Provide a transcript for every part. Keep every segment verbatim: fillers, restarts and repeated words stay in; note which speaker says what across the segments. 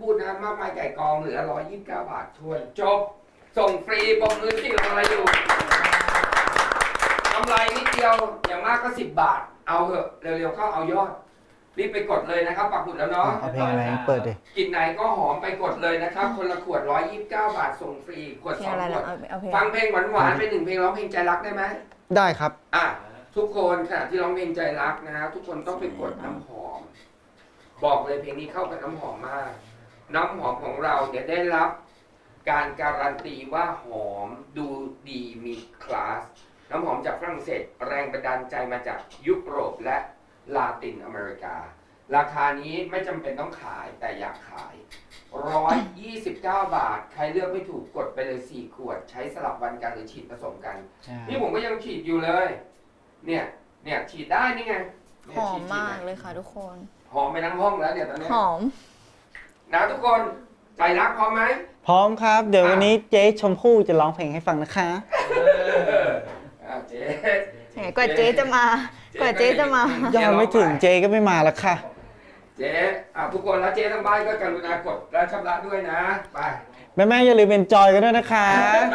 Speaker 1: พูดนะมากมายไก่กองเหลือร้อยยี่สิบเก้าบาททวนจบส่งฟรีปมมือที่รออะไรอยู่กำไรนิดเดียวอย่างมากก็สิบบาทเอาเถอะเร็วๆเข้าเอายอดรีบไปกดเลยนะครับปักหมุดแล้วเนาะ
Speaker 2: เอาเพลงอะไรเปิดดิ
Speaker 1: กินไหนก็หอมไปกดเลยนะครับคนละขวดร้อยยี่สิบเก้าบาทส่งฟรีขวดสองขวดฟังเพลงหวานๆไปหนึ่งเพลงร้องเพลงใจรักได้ไหม
Speaker 2: ได้ครับ
Speaker 1: อ่ะทุกคนขณะที่ร้องเพลงใจรักนะฮะทุกคนต้องไปกดน้ำหอมบอกเลยเพลงนี้เข้ากับน้ำหอมมากน้ำหอมของเราเนี่ยได้รับการการันตีว่าหอมดูดีมีคลาสน้ำหอมจากฝรั่งเศสแรงบันดาลใจมาจากยุโรปและลาตินอเมริการาคานี้ไม่จำเป็นต้องขายแต่อยากขายหนึ่งร้อยยี่สิบเก้าบาทใครเลือกไม่ถูกกดไปเลยสี่ขวดใช้สลับวันกันหรือฉีดผสมกันนี่ผมก็ยังฉีดอยู่เลยเนี่ยเนี่ยฉีดได้นี่ไง
Speaker 3: หอมมากเลยค่ะทุกคน
Speaker 1: หอมไปทั้งห้องแล้วเนี่ยตอนนี้
Speaker 3: หอม
Speaker 1: นะทุกคนใจรักพร้อมไหม
Speaker 2: พร้อมครับเดี๋ยววันนี้เจ๊ชมพู่จะร้องเพลงให้ฟังนะคะ
Speaker 1: เจ๊
Speaker 3: กว่าเจ๊จะมากว่าเจ๊จะมา
Speaker 2: ยังไม่ถึงเจ๊ก็ไม่มาแล้วค่ะ
Speaker 1: เจ๊อ่ะทุกคนแล้วเจ๊ทั้งบ้านก็กรุณากดและชำระด้วยนะไป
Speaker 2: แม่แม่อย่าลืมเป็นจอยกันด้วยนะคะ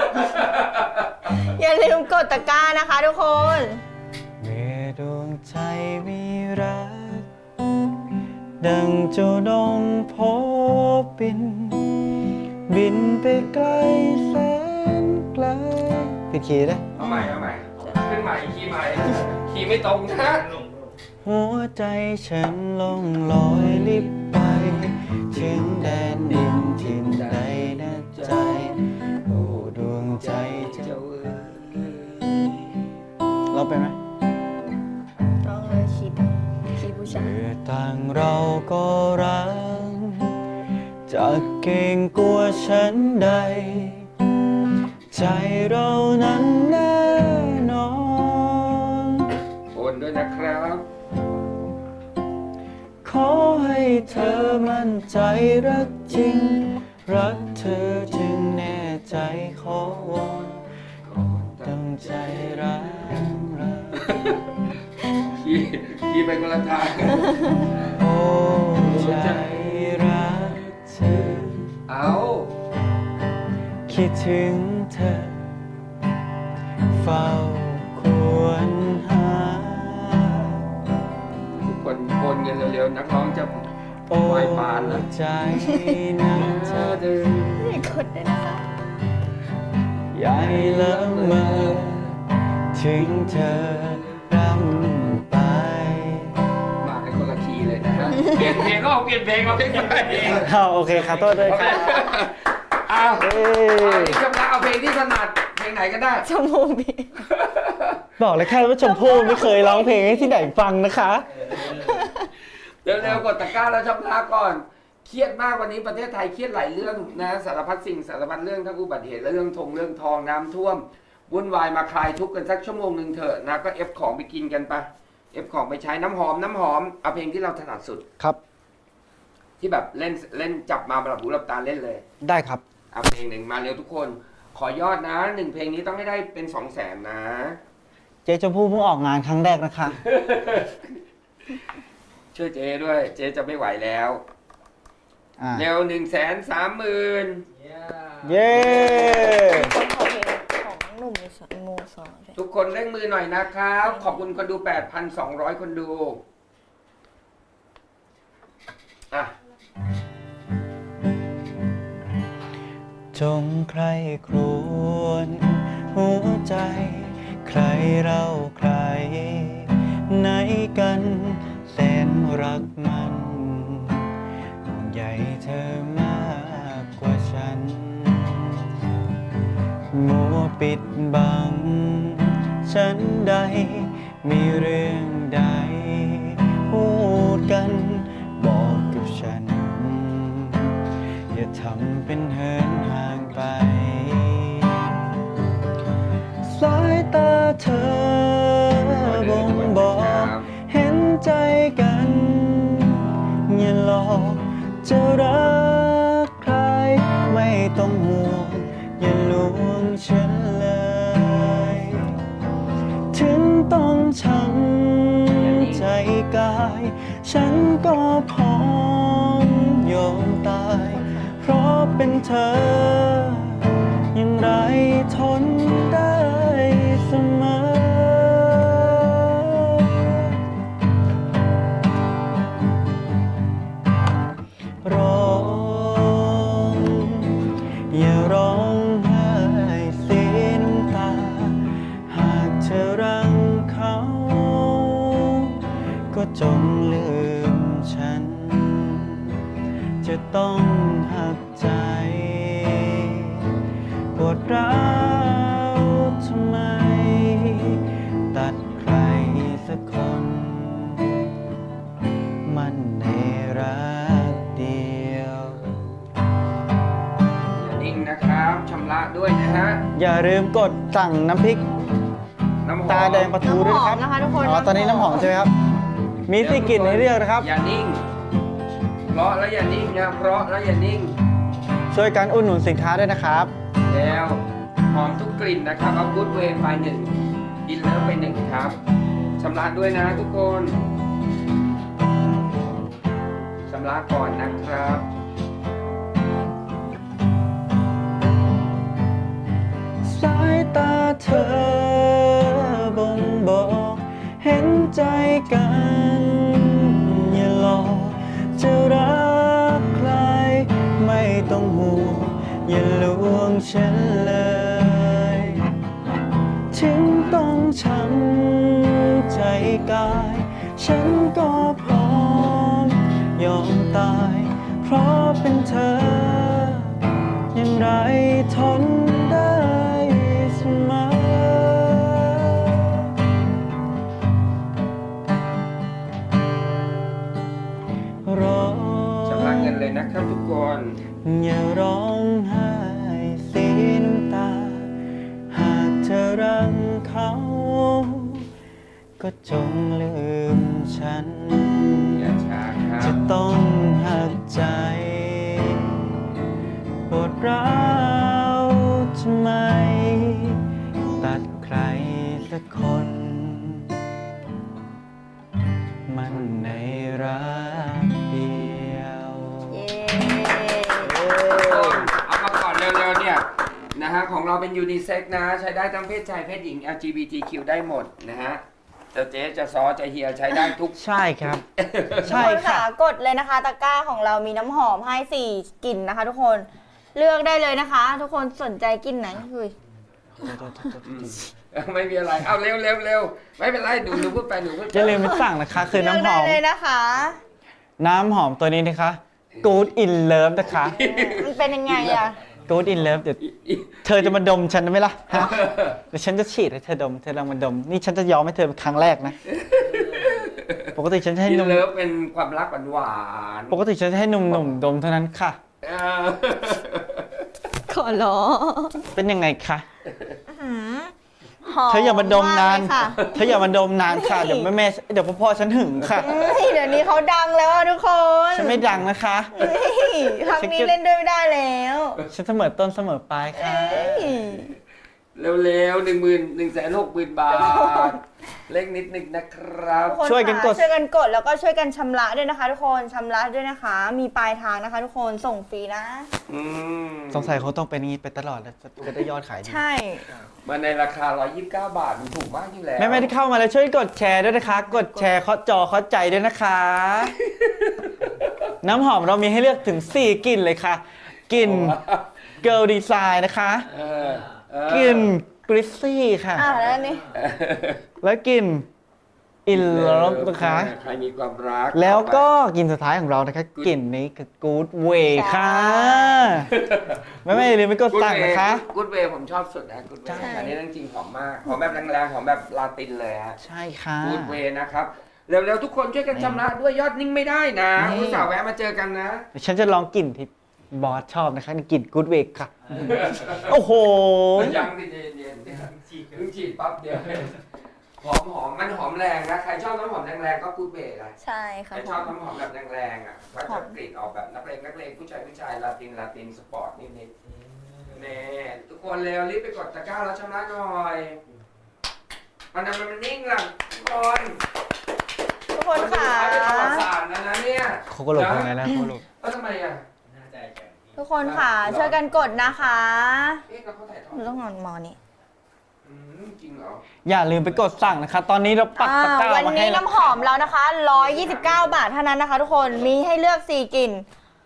Speaker 3: อย่าลืมกดตะกร้านะคะทุกคน
Speaker 2: เมื่อดวงใจมีรักดังเจ้านงพบบินบินไปไกลแสนไกลผิดคีย์ได้
Speaker 1: เอาใหม่เอาใหม่ขึ้นใหม่คีย์ใหม่คีย์ไม่ตรงนะ
Speaker 2: หัวใจฉันลงลอยลิบไปถึงแดนดินทินใดนะใจโอ้ดวงใจเจ้าเอ๋ยเราไปไหม
Speaker 3: ร้องเลยคิดคิดผู้ชาย
Speaker 2: เมื่อต่างเราก็รักจะเก่งกลัวฉันใดใจเรานั้นแน่นอน
Speaker 1: โอนด้วยนะครับ
Speaker 2: ขอให้เธอมั่นใจรักจริงรักเธอจึงแน่ใจขอวอนตั้งใจรักเรา
Speaker 1: ขี่ขี่ไปคนละทาง
Speaker 2: โอ้ใจรักเธอ
Speaker 1: เอา
Speaker 2: คิดถึงเธอเฝ้าควรหา
Speaker 1: ทุกคนโอนเงินเร็วๆนักร้องจะไหวปานแล้ว
Speaker 2: ใจนะเธอเดิน
Speaker 3: ไม่กดเลยนะคะ
Speaker 2: ใหญ่ละเมอถึงเธอรำไป
Speaker 1: มาให้คนละคีย์เลยนะฮะเปลี่ยนเพลงก็เอาเปลี่ยนเพลงมาเพลงไป
Speaker 2: เอาโอเคครับโทษด้วยครับ
Speaker 1: อ้าวนี่ชมละเอาเพลงที่ถนัดเพลงไหนก็ได้
Speaker 3: ชมพู่พี่
Speaker 2: บอกเลยแค่ว่าชมพู่ไม่เคยร้องเพลงให้ที่ไหนฟังนะคะ
Speaker 1: เร็วๆกดตะกร้าแล้วชำระก่อนเครียดมากวันนี้ประเทศไทยเครียดหลายเรื่องนะสารพัดสิ่งสารพัดเรื่องทั้งอุบัติเหตุและเรื่องทงเรื่องทองน้ำท่วมวุ่นวายมาคลายทุกข์กันสักชั่วโมงหนึ่งเถอะนะก็เอฟของไปกินกันไปเอฟของไปใช้น้ำหอมน้ำหอมเอาเพลงที่เราถนัดสุด
Speaker 2: ครับ
Speaker 1: ที่แบบเล่นเล่นจับมาหลับหูหลับตาเล่นเลย
Speaker 2: ได้ครับ
Speaker 1: เอาเพลงหนึ่งมาเร็วทุกคนขอยอดนะหนึ่งเพลงนี้ต้องให้ได้เป็นสองแสนนะ
Speaker 2: เจ๊ชมพู่เพิ่งออกงานครั้งแรกนะคะ
Speaker 1: ช่วยเจ๊ด้วยเจ๊จะไม่ไหวแล้วเร็วหนึ่งแสนสามหมื่น
Speaker 2: เย้
Speaker 3: ของหนุ่มมูสอน
Speaker 1: ทุกคนเร่งมือหน่อยนะครับขอบคุณคนดู แปดพันสองร้อย คนดูอ่ะ
Speaker 2: จงใครครวญหัวใจใครเราใครไหนกันแสนรักมันห่วงใยเธอมากกว่าฉันมัวปิดบังฉันใดมีเรื่องใดพูดกันบอกกับฉันอย่าทำเป็นเหินห่างไปสายตาเธอบ่งบอกเห็นใจกันอย่าหลอกจะรักใครไม่ต้องห่วงอย่าลวงฉันเลยถึงต้องช้ำใจกายฉันก็พร้อมยอมตายเธอยังไรทนได้เสมอร้องอย่าร้องไห้เสียน้ำตาหากเธอรังเขาก็จงลืมฉันจะต้องหักใจปวดร้าวทำไมตัดใครสักคนมันในรักเดียว
Speaker 1: อย่านิ่งนะครับชำระด้วยนะฮะ
Speaker 2: อย่าลืมกดสั่งน้ำพริก
Speaker 1: น้ำหอม
Speaker 2: ตาแดงปลาทูด้วยนะครับ
Speaker 3: น้ำหอมนะคะทุกคน
Speaker 2: อ๋อตอนนี้น้ำหอมใช่ไหมครับ มีสี่กลิ่นให้เลือกนะครับ
Speaker 1: อย่านิ่ง เพราะแล้วอย่านิ่งนะเพราะแล้วอย่านิ่ง
Speaker 2: ช่วยกันอุดหนุนสินค้าด้วยนะครับ
Speaker 1: แล้วหอมทุกกลิ่นนะครับ เอากู๊ดเวย์ไปหนึ่งอินเลิฟไปหนึ่งครับชำระด้วยนะทุกคนชำระก่อนนะครับ
Speaker 2: สายตาเธอบ่งบอกเห็นใจกัน อย่าหลอกจะรักใคร ไม่ต้องห่วงอย่าลวงฉันเลย ถึงต้องช้ำใจกาย ฉันก็พร้อมยอมตาย เพราะเป็นเธอยังไรทนได้เสมอร้อง
Speaker 1: ชำระเงินเลยนะครับทุกคน
Speaker 2: อย่าร้องไห้เสียน้ำตา หากเธอรังเขา ก็จงลืมฉัน
Speaker 1: อย่าช้าครั
Speaker 2: จะ
Speaker 1: บ
Speaker 2: ต้องหักใจปวดร้าวทำไม ตัดใครสักคน มันในรักเดียว
Speaker 3: เย้
Speaker 1: เอามาก่อนเร็วๆเนี่ยนะฮะของเราเป็นยูนิเซ็กนะ ใช้ได้ทั้งเพศชายเพศหญิง แอล จี บี ที คิว ได้หมดนะฮะจะเจ๊จะซอจะเฮียใช้ได้ทุก
Speaker 2: ใช่ครับ
Speaker 3: ทุก
Speaker 2: ใช่
Speaker 3: คน
Speaker 2: ค่ะ
Speaker 3: ค่ะกดเลยนะคะ ตะกร้าของเรามีน้ำหอมให้สี่กลิ่นนะคะ ทุกคนเลือกได้เลยนะคะ ทุกคนสนใจกลิ่นไหนคือ
Speaker 1: ไม่มีอะไร เอาเร็วเร็วเร็วไม่เป็นไรหนูหนูพูดไปหนูพูดไป
Speaker 2: จะลืมไปสั่งนะคะ คือ
Speaker 3: เลือก
Speaker 2: น้ำห
Speaker 3: ได้
Speaker 2: อม
Speaker 3: เลยนะคะ
Speaker 2: น้ำหอมตัวนี้นะคะ Good in Love นะคะ
Speaker 3: มันเป็นยังไงอะ
Speaker 2: Good in Love เดี๋ยวเธอจะมาดมฉันไหมล่ะฮะเดี๋ยวฉันจะฉีดให้เธอดม เธอลองมาดม นี่ฉันจะยอมให้เธอเป็นครั้งแรกนะ ปกติฉันจะให้
Speaker 1: อิ
Speaker 2: ห
Speaker 1: น
Speaker 2: นุ่ม
Speaker 1: เลิฟเป็นความรักหวาน
Speaker 2: ปกติฉันจะให้หนุ่มๆดมเท่านั้นค่ะ
Speaker 1: ๆเออ
Speaker 3: ขอร้อง
Speaker 2: เป็นยังไงคะ
Speaker 3: หืมหอม
Speaker 2: เธออย่ามาดมนาน
Speaker 3: กเลยค่ะ
Speaker 2: เธออย่ามาดมนานค่ะ เดี๋ยวแม่แม่เดี๋ยวพ่อๆฉันหึงค่ะ
Speaker 3: เฮ้ยเดี๋ยวนี้เขาดังแล้วอะทุกคน
Speaker 2: ฉันไม่ดังนะคะ
Speaker 3: เฮ้ยครั้งนี้เล่นด้วยไม่ได้แล้ว
Speaker 2: ฉันเสมอต้นเสมอปลายค่ะ
Speaker 3: เฮ้ย
Speaker 1: เร็วๆหนึ่งหมื่นหนึ่งแสนหกหมื่นบาท เล็กนิดนึงนะครับ
Speaker 3: ทุกคน
Speaker 2: ช่วยกันกด
Speaker 3: ค่ะช่วยกันกดแล้วก็ช่วยกันชำระด้วยนะคะ ทุกคนชำระด้วยนะคะ มีปลายทางนะคะ ทุกคนส่งฟรีนะ
Speaker 1: อืม
Speaker 2: สงสัยเขาต้องเป็นอย่างนี้ไปตลอดแล้วจะได้ยอดขายดี
Speaker 3: ใช่
Speaker 1: มาในราคาหนึ่งร้อยยี่สิบเก้าบาทมันถูกมากอยู่แล้ว
Speaker 2: แม่แม่ที่เข้ามาแล้วช่วยกดแชร์ด้วยนะคะ กดแชร์เคาะจอเคาะใจด้วยนะคะ น้ำหอมเรามีให้เลือกถึงสี่กลิ่นเลยค่ะ กลิ่น Girl Design นะคะ
Speaker 1: เออเออก
Speaker 2: ลิ่น Greasy ค่ะ
Speaker 3: อ่ะแล้วอันนี่
Speaker 2: และกลิ่น In Love นะคะ
Speaker 1: ใครมีความรัก
Speaker 2: แล้วก็กลิ่นสุดท้ายของเรานะคะ กลิ่นนี้คือ Good Way ค่ะแม่แม่อย่าลืมไปกดสั่งนะคะ
Speaker 1: กูดเวย์ผมชอบสุดนะกูดเว
Speaker 2: ใช่
Speaker 1: ย์อันนี้เรื่องจริงหอมมากหอมแบบแรงๆหอมแบบลาตินเลยฮะ
Speaker 2: ใช่ค่ะ
Speaker 1: กูดเวย์นะครับเร็วๆทุกคนช่วยกันชำระด้วยยอดนิ่งไม่ได้นะ
Speaker 2: นี่
Speaker 1: อุตส่าห์แวะมาเจอกันนะ
Speaker 2: เดี๋ยวฉันจะลองกลิ่นที่บอสชอบนะคะกลิ่น Good Way ค่ะ โอ้โห
Speaker 1: ยังดิเย็นๆเนี่ยเพิ่งฉีดปั๊บเดียวหอมหอมมันหอมแรงนะใครชอบน้ำหอมแรงๆก็กูดเวย์นะ
Speaker 3: ใช่
Speaker 1: ใค
Speaker 3: ค่ะ
Speaker 1: รชอบน้ำหอมแบบแรงๆอ่ะก็จะกลิ่นออกแบบนักเลงนักเลงผู้ชายผู้ชายลาตินลาตินสปอร์ตนิดๆนี่ทุกคนเร็วรีบไปกดตะกร้าแล้วชำระหน่อยมันทำไมมันนิ่งล่ะทุกคน
Speaker 3: ทุกคนค่ะ
Speaker 1: เป็นประวัติศาสตร์นะนะเนี่ย
Speaker 2: เขาก็หลบยังไงนะเขาหลบ
Speaker 1: เออทำไมอ่ะ
Speaker 4: น่าใจแข็งดี
Speaker 3: ทุกคนค่ะ ช่วยกันกดนะคะ
Speaker 1: เอ๊ะแล้วเขาถ่ายทอ
Speaker 3: หนู
Speaker 1: ด
Speaker 3: ต้องนอนมอนี่
Speaker 1: อืมจริงเหรอ
Speaker 2: อย่าลืมไปกดสั่งนะคะ ตอนนี้เราปัก
Speaker 3: อ่า
Speaker 2: ตะกร้า
Speaker 3: วัน
Speaker 2: มาให้
Speaker 3: นี้
Speaker 2: แล้ว
Speaker 3: น้ำหอมเรานะคะหนึ่งร้อยยี่สิบเก้าบาทเท่านั้นนะคะ ทุกคนมีให้เลือกสี่กลิ่น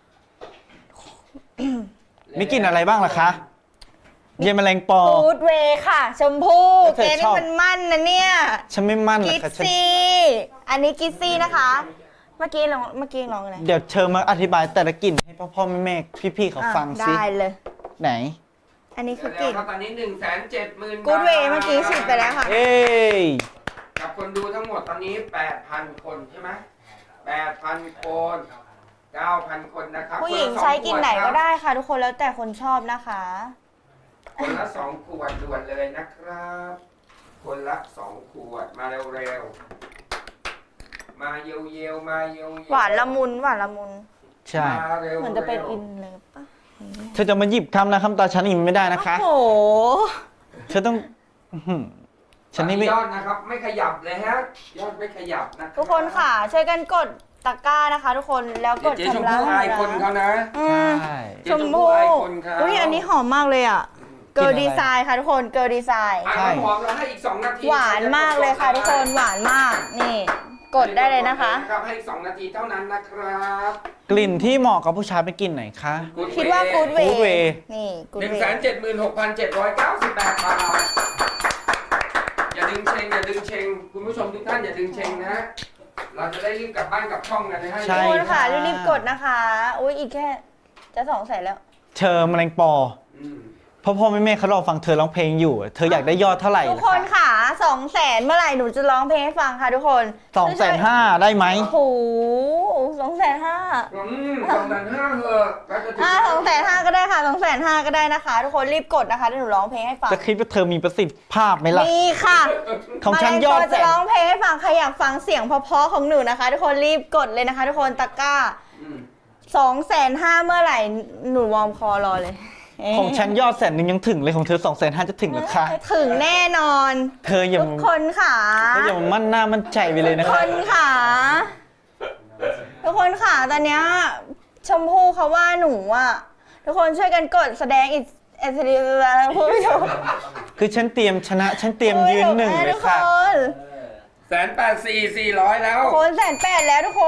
Speaker 2: มีกลิ่นอะไรบ้างล่ะคะ เย็นแมลงปอ
Speaker 3: กูดเวย์ค่ะ ชมพู่
Speaker 2: แล้วเธ
Speaker 3: แก
Speaker 2: อช
Speaker 3: นี่
Speaker 2: อบ
Speaker 3: มันมั่นนะเนี่ย
Speaker 2: ฉันไม่มั่นหรอ
Speaker 3: กิ
Speaker 2: ก
Speaker 3: ซ
Speaker 2: ค่ะฉัน
Speaker 3: ซี่อันนี้กิซซี่นะคะ เมื่อกี้ลองเมื่อกี้ลองอะไร
Speaker 2: เดี๋ยวเชิญมาอธิบายแต่ละกลิ่นให้พ่อพ่อแม่แม่พี่ๆเขา
Speaker 3: อ่ะ
Speaker 2: ฟังสิ
Speaker 3: ได้เลย
Speaker 2: ไหน
Speaker 3: อันนี้คื
Speaker 1: เดี๋
Speaker 3: อ
Speaker 1: ยว
Speaker 3: กลิ่น
Speaker 1: ๆครับตอนนี้หนึ่งแสนเจ็ดหมื่น
Speaker 3: กูดเวย์เมื่อกี้ฉีดไปแล้วค่ะ
Speaker 2: เอ้ย
Speaker 1: กับคนดูทั้งหมดตอนนี้แปดพันคนใช่ไหมแปดพันคนเก้าพันคนนะครับ
Speaker 3: ผู้หญิง
Speaker 1: คนละสอ
Speaker 3: ใช้กลิ่นไหน
Speaker 1: ขว
Speaker 3: ก็
Speaker 1: ครับ
Speaker 3: ได้ค่ะ ทุกคนแล้วแต่คนชอบนะคะ
Speaker 1: คนละสองขวดด่วนเลยนะครับ คนละสองขวดมาเร็วๆมาเยวๆมาเยวๆ
Speaker 3: หวานละมุนหวานละมุน
Speaker 2: ใช่
Speaker 1: มาเร็วๆ
Speaker 3: เหมือนจะเป็นอินเลยปะ
Speaker 2: เธอจะมาหยิบคำนะคำตาฉันอีกไม่ได้นะคะ
Speaker 3: โอ้โห
Speaker 2: เธอต้องอื้อหือฉันนี่ไม่
Speaker 1: ยอดนะครับ ไม่ขยับเลยฮะยอดไม่ขยับนะ
Speaker 3: ทุกคนค่ะ ช่วยกันกดตะกร้านะคะ ทุกคนแล้วกด
Speaker 1: เจ๊ชม
Speaker 3: ชำระ
Speaker 1: พู่อายคนเขานะ
Speaker 3: อืม
Speaker 2: ใช่
Speaker 1: เจ๊
Speaker 3: ช
Speaker 1: ช
Speaker 3: ม
Speaker 1: มพู่
Speaker 3: พู่
Speaker 1: อายคนเขา
Speaker 3: อุ้ยอันนี้หอมมากเลยอ่ะ เกิร์ล
Speaker 2: กลิ่
Speaker 3: ดี
Speaker 2: นอะไร
Speaker 3: ไซน์ค่ะทุกคนเกิร์ลดีไซน์
Speaker 1: อ่ะน้ำหอมเราให้อีกสองนาที
Speaker 3: หวานมากเลยค่ะ ทุกคนหวานมากนี่ กดได้เลยนะคะ
Speaker 1: ครับให้อีกสองนาทีเท่านั้นนะครับ
Speaker 2: กลิ่นที่เหมาะกับผู้ชายเป็นกลิ่นไหนคะ
Speaker 3: คิดว่ากูดเว
Speaker 2: Good Way
Speaker 3: นี่กูด
Speaker 1: หนึ่ง
Speaker 3: เว
Speaker 1: แสนเจ็ดหมื่นหกพันเจ็ดร้อยเก้าสิบแปดบาทอย่าดึงเชงอย่าดึงเชงคุณผู้ชมทุกท่านอย่าดึงเชงนะ เราจะได้รีบกลับบ้านกลับช่องกันนะฮะ
Speaker 2: ใช่
Speaker 3: ทุกคนค่ะรีบๆกดนะคะอุ้ยอีกแค่จะสองแสนแล้ว
Speaker 2: เธอแมลงปอ
Speaker 1: อืม
Speaker 2: พ่อพ่อแม่แม่เขารอฟังเธอร้องเพลงอยู่ เธออยากได้ยอดเท่าไหร่
Speaker 3: ทุก
Speaker 2: ล่ะ
Speaker 3: คน
Speaker 2: คะ
Speaker 3: ค่ะสองแสนเมื่อไหร่หนูจะร้องเพลงให้ฟังค่ะทุกคน
Speaker 2: สองแสนห้าได้ไหม
Speaker 3: โอ้โหสองแสนห้า
Speaker 1: อืมสองแสนห้าเหอะแล้วจะถึ
Speaker 3: อ่าสองแสนห้าก็ได้ค่ะสองแสนห้าก็ได้นะคะ ทุกคนรีบกดนะคะเดี๋ยวหนูร้องเพลงให้ฟัง
Speaker 2: จะคิดว่าเธอมีประสิทธิภาพไหมล่ะ
Speaker 3: มีค่ะ
Speaker 2: ของฉันยอด
Speaker 3: มาเล
Speaker 2: แส
Speaker 3: จะ
Speaker 2: น
Speaker 3: ร้องเพลงให้ฟังใครอยากฟังเสียงเพราะๆของหนูนะคะ ทุกคนรีบกดเลยนะคะ ทุกคนตะกร้า
Speaker 1: อืม
Speaker 3: สองแสนห้าเมื่อไหร่หนูวอร์มคอรอเลย
Speaker 2: ของฉันยอดแสนหนึ่งยังถึงเลยของเธอสองแสนห้าจะถึงหรือคะ
Speaker 3: ถึงแน่นอน
Speaker 2: เธออย่า
Speaker 3: ทุกคนค่ะ
Speaker 2: เธออย่ามามั่นหน้ามั่นใจไปเลยนะ
Speaker 3: ทุก
Speaker 2: คะ
Speaker 3: คนค่ะ ทุกคนค่ะตอนเนี้ยชมพู่เขาว่าหนูอ่ะทุกคนช่วยกันกดแสดงอิสเอสดีผู้ชม
Speaker 2: คือฉันเตรียมชนะ ฉันเตรียมยืนหนึ่งเล
Speaker 3: ทุ
Speaker 2: ย
Speaker 3: ก
Speaker 2: ค่ะ
Speaker 3: คน
Speaker 1: แสนแปดสี่สี่ร้อยแล้ว
Speaker 3: คนแสนแปดแล้วทุกคน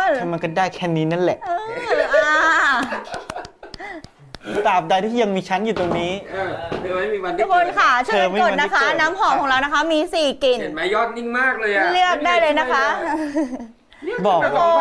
Speaker 2: ถ้ามันก็ได้แค่นี้นั่นแหละ
Speaker 3: เอออ่า
Speaker 2: ตราบใดที่ยังมีฉันอยู่ตรงนี้
Speaker 1: เออเธอไม่มีวันได้
Speaker 3: ทุกคนค่ะช่วยกันกดนะคะ
Speaker 2: เธอไม่มีวันได้เกิด
Speaker 3: น้ำหอมของเรานะคะ มีสี่กลิ่น
Speaker 1: เห็นไหมยอดนิ่งมากเลยอะ
Speaker 3: เลือกได้เลยนะคะ
Speaker 1: เรียก
Speaker 2: บอก
Speaker 1: แบบ